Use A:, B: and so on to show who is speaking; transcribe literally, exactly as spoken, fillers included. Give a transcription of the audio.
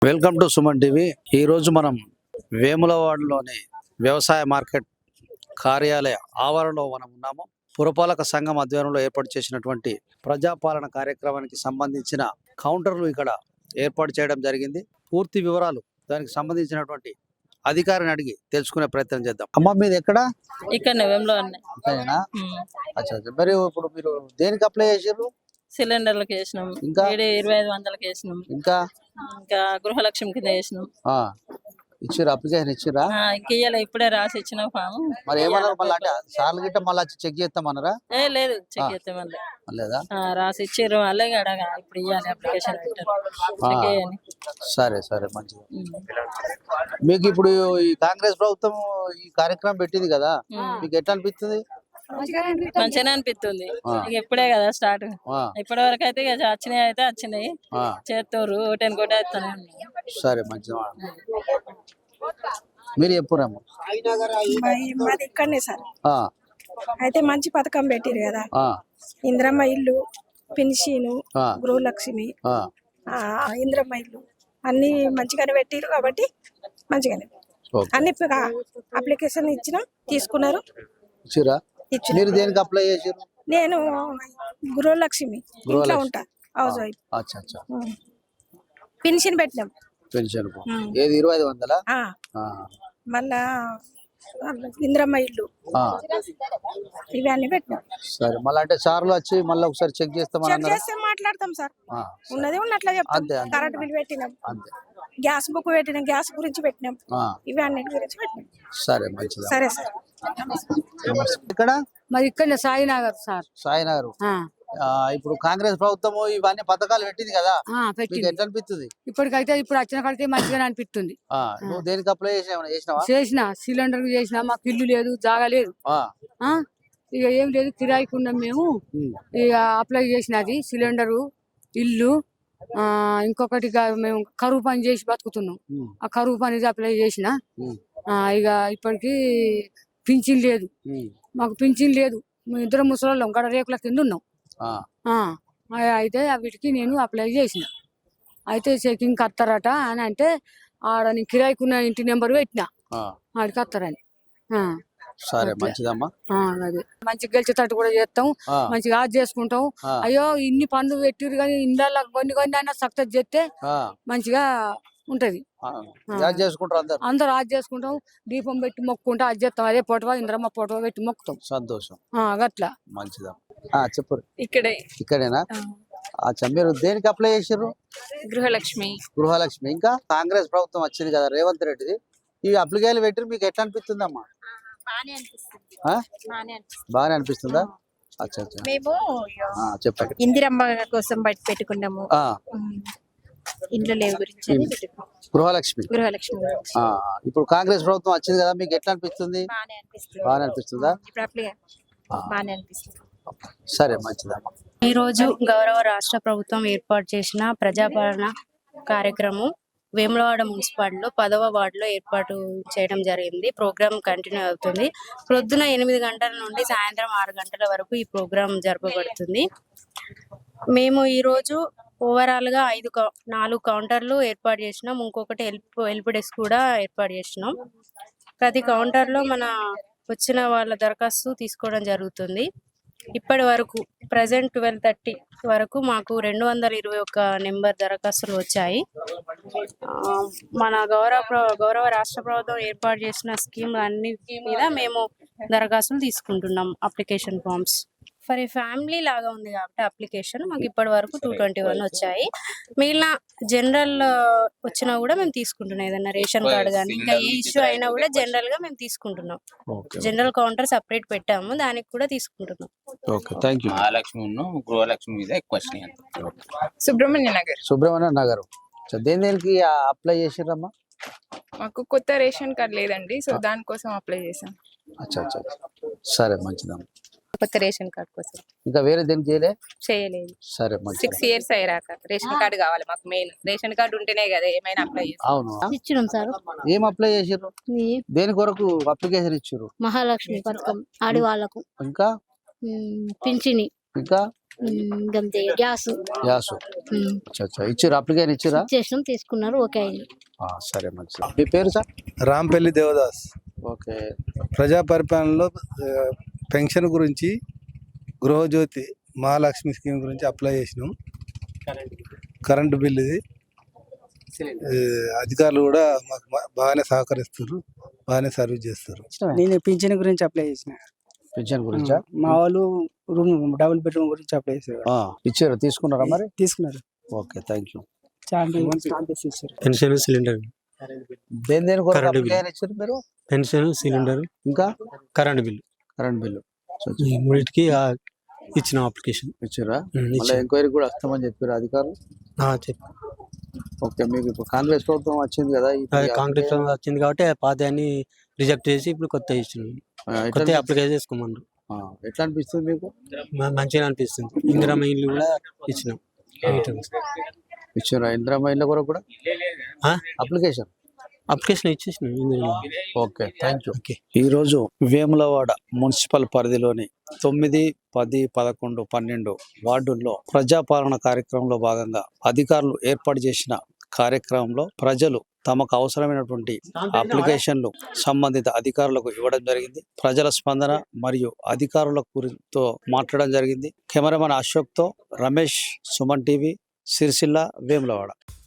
A: Welcome to Suman TV. ఈరోజు మనం వేములవాడలోని వ్యవసాయ మార్కెట్ కార్యాలయ ఆవరణలో మనం ఉన్నాము. పురపాలక సంఘం ఆధ్వర్యంలో ఏర్పాటు చేసినటువంటి ప్రజాపాలన కార్యక్రమానికి సంబంధించిన కౌంటర్లు ఇక్కడ ఏర్పాటు చేయడం జరిగింది. పూర్తి వివరాలు దానికి సంబంధించినటువంటి అధికారిని అడిగి తెలుసుకునే ప్రయత్నం చేద్దాం. అమ్మ, మీది ఎక్కడ?
B: ఇక్కడ నవంలో
A: మరి ఇప్పుడు మీరు దేనికి అప్లై చేసారు?
B: సిలిండర్లకు వేసినాం,
A: ఇంకా
B: ఇరవై ఐదు వందలకి వేసినాం,
A: ఇంకా
B: ఇంకా గృహలక్ష్మి కింద వేసినాం.
A: ఇచ్చిరా? అప్లికేషన్ ఇచ్చిరా?
B: ఇంకా ఇయ్యాల ఇప్పుడే రాసి ఇచ్చిన ఫామ్.
A: మరి ఏమన్నారు మళ్ళీ? అంటే సార్లు గిట్ట మళ్ళీ చెక్ చేస్తామన్నారా?
B: ఏ లేదు, చెక్ చేస్తే మళ్ళీ
A: లేదా
B: రాసి ఇచ్చారు. వాళ్ళే అడగా ఇప్పుడు ఇవ్వాలి అప్లికేషన్ పెట్టారు.
A: సరే సరే, మంచిది. మీకు ఇప్పుడు ఈ కాంగ్రెస్ ప్రభుత్వం ఈ కార్యక్రమం పెట్టింది కదా, మీకు ఎట్లా అనిపిస్తుంది?
B: మంచిగానే అనిపిస్తుంది. ఇప్పుడే కదా స్టార్ట్. ఇప్పటి వరకు అయితే వచ్చినాయి అయితే వచ్చినాయి చేస్తారు. టెన్ కోట వేస్తానే.
A: సరే, మంచిది. మీరు చెప్పురాము.
C: మాది ఇక్కడనే సార్. అయితే మంచి పథకం పెట్టిరు కదా, ఇంద్రమ్మ ఇల్లు, పెన్షను, గృహలక్ష్మి, ఇంద్రమ్మ ఇల్లు అన్ని మంచిగానే పెట్టిరు కాబట్టి మంచిగానే అన్ని అప్లికేషన్ ఇచ్చినాం, తీసుకున్నారు.
A: మీరు దేనికి అప్లై చేసారు?
C: నేను గృహలక్ష్మి ఇంట్లో ఉంటా, హౌస్ వైఫ్. పెన్షన్ పెట్టినాం.
A: పెన్షన్ ఏది? ఇరవై ఐదు వందల
C: మళ్ళా ఇంద్రమ్మ ఇల్లు ఇవన్నీ పెట్టినాం.
A: సరే, మళ్ళీ అంటే సార్లు వచ్చి మళ్ళీ ఒకసారి చెక్ చేస్తాం,
C: మాట్లాడతాం సార్. ఉన్నది ఉన్నట్లా చెప్తాం. కరెంట్ బిల్ పెట్టినాం, గ్యాస్ బుక్ పెట్టినాం, గ్యాస్ గురించి పెట్టినాం, ఇవి అన్నిటి గురించి పెట్టినాం.
A: సరే, మంచిది.
C: సరే సార్.
A: ఇక్కడ
D: మరి ఇక్కడ సాయినగర్ సార్.
A: సాయినగర్. ఇప్పుడు కాంగ్రెస్ ప్రభుత్వం ఇవన్నీ పథకాలు పెట్టింది కదా, ఎట్లా అనిపిస్తుంది?
D: ఇప్పటికైతే ఇప్పుడు వచ్చిన కాడితే మంచిగానే అనిపిస్తుంది.
A: నువ్వు దేనికి అప్లై చేసినావా?
D: చేసిన సిలిండర్ చేసిన. మాకు ఇల్లు లేదు, జాగా లేదు, ఇక ఏం లేదు, కిరాయికి ఉన్నాం మేము. ఇక అప్లై చేసినది సిలిండరు, ఇల్లు, ఆ ఇంకొకటి మేము కరువు పని చేసి బతుకుతున్నాం. ఆ కరువు పని అప్లై చేసిన. ఇక ఇప్పటికి పింఛన్ లేదు, మాకు పింఛన్ లేదు. మేము ఇద్దరు ముసలోళ్ళం, గడ రేకుల కింద ఉన్నాం. అయితే వీటికి నేను అప్లై చేసిన. అయితే చెకింగ్ వస్తారట అని అంటే ఆడ నేను కిరాయికున్న ఇంటి నెంబర్ పెట్టినా, ఆడికి వస్తారని.
A: సరే, మంచిదమ్మా.
D: అదే మంచిగా గెలిచేటట్టు కూడా చేస్తాం, మంచిగా ఆజ్ చేసుకుంటాం. అయ్యో ఇన్ని పనులు పెట్టిరు కానీ ఇండ్ల కొన్ని కొన్ని అయినా సక్సెస్ చేస్తే మంచిగా ఉంటది. అందరు ఆజ్ చేసుకుంటాం, దీపం పెట్టి మొక్కుంటా ఆజ్ చేస్తాం. అదే పొటవ ఇంద్రమ్మ పొటవ పెట్టి మొక్కుతాం.
A: సంతోషం.
D: గట్లా
A: మంచిదా. చెప్పు.
B: ఇక్కడే
A: ఇక్కడేనా? మీరు దేనికి అప్లై చేసారు?
B: గృహలక్ష్మి.
A: గృహలక్ష్మి. ఇంకా కాంగ్రెస్ ప్రభుత్వం వచ్చింది కదా రేవంత్ రెడ్డిది, ఈ అప్లికేషన్ పెట్టి మీకు ఎట్లా అనిపిస్తుంది అమ్మా? బాగానే అనిపిస్తుందా? అచ్చా అచ్చా.
E: మేము
A: చెప్పండి.
E: ఇందిరమ్మ కోసం బట్టి పెట్టుకున్నాము, ఇంట్లో లేవు గురించి.
A: గృహలక్ష్మి.
E: గృహలక్ష్మి
A: ఇప్పుడు కాంగ్రెస్ ప్రభుత్వం వచ్చింది కదా, మీకు ఎట్లా అనిపిస్తుంది? బాగానే అనిపిస్తుందా?
E: బాగానే అనిపిస్తుంది.
A: సరే, మంచిదా.
F: ఈ రోజు గౌరవ రాష్ట్ర ప్రభుత్వం ఏర్పాటు చేసిన ప్రజాపాలన కార్యక్రమం వేములవాడ మున్సిపాలిటీలో పదవ వార్డులో ఏర్పాటు చేయడం జరిగింది. ప్రోగ్రామ్ కంటిన్యూ అవుతుంది. ప్రొద్దున ఎనిమిది గంటల నుండి సాయంత్రం ఆరు గంటల వరకు ఈ ప్రోగ్రాం జరపబడుతుంది. మేము ఈరోజు ఓవరాల్ గా ఐదు నాలుగు కౌంటర్లు ఏర్పాటు చేసినాం. ఇంకొకటి హెల్ప్ హెల్ప్ డెస్క్ కూడా ఏర్పాటు చేసినాం. ప్రతి కౌంటర్ లో మన వచ్చిన వాళ్ళ దరఖాస్తు తీసుకోవడం జరుగుతుంది. ఇప్పటి వరకు ప్రజెంట్ ట్వెల్వ్ థర్టీ వరకు మాకు రెండు వందల ఇరవై ఒక్క నెంబర్ దరఖాస్తులు వచ్చాయి. మన గౌరవ గౌరవ రాష్ట్ర ప్రభుత్వం ఏర్పాటు చేసిన స్కీమ్ అన్ని మీద మేము దరఖాస్తులు తీసుకుంటున్నాం. Application forms for a family లాగా ఉంది కాబట్టి అప్లికేషన్ మాకు ఇప్పటి వరకు టూ ట్వంటీ వన్ వచ్చాయి. మిగిలిన జనరల్ వచ్చినా కూడా మేము తీసుకుంటున్నాం. ఏదైనా రేషన్ కార్డు కానీ ఇంకా ఏ ఇష్యూ అయినా కూడా జనరల్ గా మేము తీసుకుంటున్నాం. జనరల్ కౌంటర్ సపరేట్ పెట్టాము, దానికి కూడా తీసుకుంటున్నాం.
G: సుబ్రహ్మణ్య నగర్.
A: సుబ్రహ్మణ్య నగర్. దేని దేనికి అప్లై చేసిరమ్మా?
G: మాకు కొత్త రేషన్ కార్డు లేదండి, సో దానికోసం అప్లై చేసాం.
A: అచ్చా అచ్చా. సరే, మంచిదమ్మా.
E: కొత్త రేషన్ కార్డు కోసం.
A: ఇంకా వేరే దేనికి చేయలే?
E: చేయలేదు.
A: సరే,
E: సిక్స్ ఇయర్స్ అయ్యాక రేషన్ కార్డు కావాలి మాకు. మెయిన్ రేషన్ కార్డు ఉంటేనే కదా ఏమైనా అప్లై చేస్తాం.
A: అవును,
F: ఇచ్చినాం సార్.
A: ఏం అప్లై చేసారు? దేని కొరకు అప్లికేషన్ ఇచ్చారు?
F: మహాలక్ష్మి పథకం ఆడి వాళ్ళకు,
A: ఇంకా
F: పింఛని,
A: ఇంకా
H: గంతే గ్యాస్
A: గ్యాస్ అచ్చా అచ్చా ఇచ్చిరా అప్లికేషన్ ఇచ్చిరా
H: చేసినాం తీసుకున్నారు ఓకే అయింది.
A: ఆ, సరే మంచిది. మీ పేరు సార్?
I: రాంపల్లి దేవదాస్.
A: ఓకే.
I: ప్రజా పరిపాలనలో ఆ, పెన్షన్ గురించి గృహజ్యోతి మహాలక్ష్మి స్కీమ్ గురించి అప్లై చేసినాం. కరెంటు బిల్ ఇది ఆ, అధికారులు కూడా మాకు బా- బాగానే సహకరిస్తారు, బాగానే సర్వీస్ చేస్తారు.
J: నేను పింఛన్ గురించి అప్లై చేసిన.
A: పెన్షన్ గురించా?
J: మా వాళ్ళు రూమ్ డబుల్ బెడ్రూమ్ గురించి అప్లై చేశారు.
A: ఆ, ఇచ్చారా తీసుకున్నారా మరి?
J: తీసుకున్నారు.
A: Okay thank you.
J: చాలా స్టాంప్ వేసి ఇచ్చారు.
K: పెన్షన్ సిలిండర్
A: దేని దేని కొరకు
K: కరెంటు బిల్.
A: అప్లికేషన్ ఇచ్చారు మీరు?
K: పెన్షన్ సిలిండర్
A: ఇంకా
K: కరెంట్ బిల్
A: కరెంట్ బిల్లు
K: ఈ మూడింటికి ఆ, ఇచ్చిన అప్లికేషన్
A: ఇచ్చారా?
K: ఉమ్,
A: మళ్ళీ
K: ఇచ్చాను.
A: ఎంక్వైరీ కూడా వస్తామని చెప్పారు అధికారులు.
K: ఆ, చెప్పు.
A: ఓకే మీకు ఇప్పుడు కాంగ్రెస్ ప్రభుత్వం వచ్చింది కదా ఈ
K: అదే కాంగ్రెస్ ప్రభుత్వం వచ్చింది కాబట్టి ఆ పాతయాన్ని రిజెక్ట్ చేసి ఇప్పుడు కొత్త ఇచ్చినాం.
A: ఆ, ఎట్లా
K: కొత్త
A: అనిపి-
K: అప్లికేషన్ చేసుకోమన్నారు.
A: ఆ, ఎట్లా అనిపిస్తుంది మీకు?
K: మ- మంచిగా అనిపిస్తుంది. ఇందిరమ్మ ఇల్లు కూడా ఇచ్చినాం.
A: ఇచ్చారా ఇందిరమ్మ ఇళ్ళ కొరకు కూడా
K: ఆ?
A: అప్లికేషన్?
K: అప్లికేషన్ ఇచ్చేసినాం Indiramma.
A: Okay thank you.
K: Okay.
A: ఈరోజు వేములవాడ మున్సిపల్ పరిధిలోని తొమ్మిది పది పదకొండు పన్నెండు వార్డుల్లో ప్రజాపాలన కార్యక్రమంలో భాగంగా అధికారులు ఏర్పాటు చేసిన కార్యక్రమంలో ప్రజలు తమకు అవసరమైనటువంటి అప్లికేషన్లు సంబంధిత అధికారులకు ఇవ్వడం జరిగింది. ప్రజల స్పందన మరియు అధికారుల గురితో మాట్లాడడం జరిగింది. కెమెరామెన్ అశోక్తో రమేష్, సుమన్ టీవీ, సిరిసిల్ల, వేములవాడ.